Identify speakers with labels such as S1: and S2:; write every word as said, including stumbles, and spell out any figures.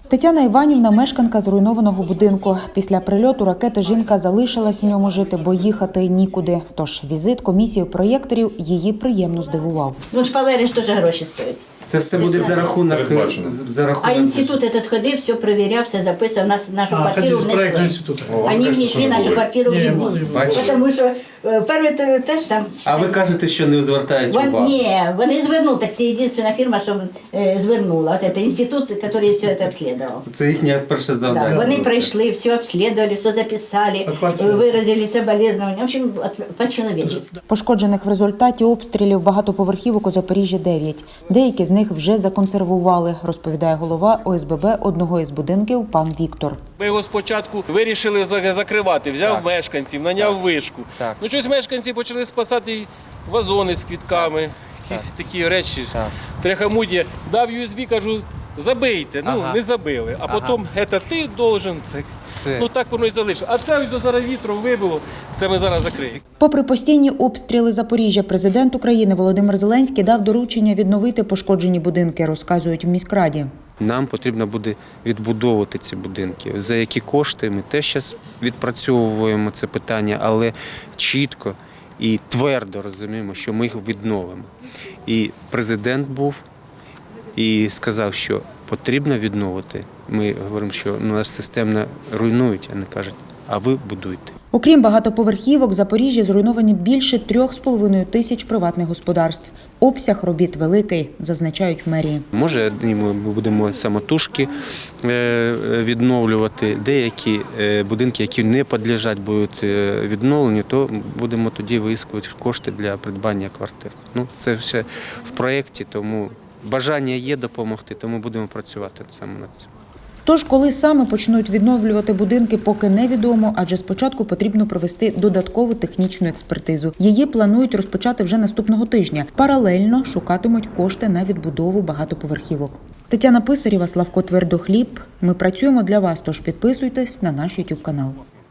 S1: Тетяна Іванівна – мешканка зруйнованого будинку. Після прильоту ракети жінка залишилась в ньому жити, бо їхати нікуди. Тож візит комісії проєкторів її приємно здивував.
S2: Ну, шпалери ж теж гроші стоять.
S3: Це все буде за рахунок, за рахунок.
S2: А інститут этот ходив, все перевіряв, все записував. Нас, нашу
S4: А,
S2: квартиру внесли.
S4: інституту.
S2: Вони внесли нашу квартиру в ремонт. Тому що е, перший теж там...
S3: А ви кажете, що не звертають
S2: Вон,
S3: увагу?
S2: ні, вони звернули. Так це єдина фірма, що е, звернула. От це інститут, який все це обслідував.
S3: Це їхнє перше завдання.
S2: Да, вони прийшли, все обслідували, все записали, виразили соболезновання. В общем, по-чоловічески.
S1: Пошкоджених в результаті обстрілів багатоповерхівок у Запоріжжі дев'ять. Деякі з них вже законсервували, розповідає голова О С Б Б одного із будинків пан Віктор.
S5: Ми його спочатку вирішили закривати, взяв так. мешканців, наняв так. вишку. Так. Ну щось мешканці почали спасати вазони з квітками, якісь так. такі речі, трехамудія. Дав ю ес бі, кажу, забийте, ну ага. не забили. А ага. потім, це ти должен, це. Ну так воно і залишило. А це ось до зараз вітром вибило, це ми зараз закриємо.
S1: Попри постійні обстріли Запоріжжя, президент України Володимир Зеленський дав доручення відновити пошкоджені будинки, розказують в міськраді.
S3: Нам потрібно буде відбудовувати ці будинки. За які кошти ми теж зараз відпрацьовуємо це питання, але чітко і твердо розуміємо, що ми їх відновимо. І президент був і сказав, що потрібно відновити. Ми говоримо, що нас системно руйнують, а не кажуть, а ви будуйте.
S1: Окрім багатоповерхівок, в Запоріжжі зруйновані більше трьох з половиною тисяч приватних господарств. Обсяг робіт великий, зазначають в мерії.
S3: Може, ми будемо самотужки відновлювати, деякі будинки, які не підлягають будуть відновленню, то будемо тоді виискувати кошти для придбання квартир. Ну, це все в проєкті, тому бажання є допомогти, тому будемо працювати саме над цим.
S1: Тож, коли саме почнуть відновлювати будинки, поки невідомо, адже спочатку потрібно провести додаткову технічну експертизу. Її планують розпочати вже наступного тижня. Паралельно шукатимуть кошти на відбудову багатоповерхівок. Тетяна Писарєва, Славко Твердохліб. Ми працюємо для вас, тож підписуйтесь на наш ютуб канал.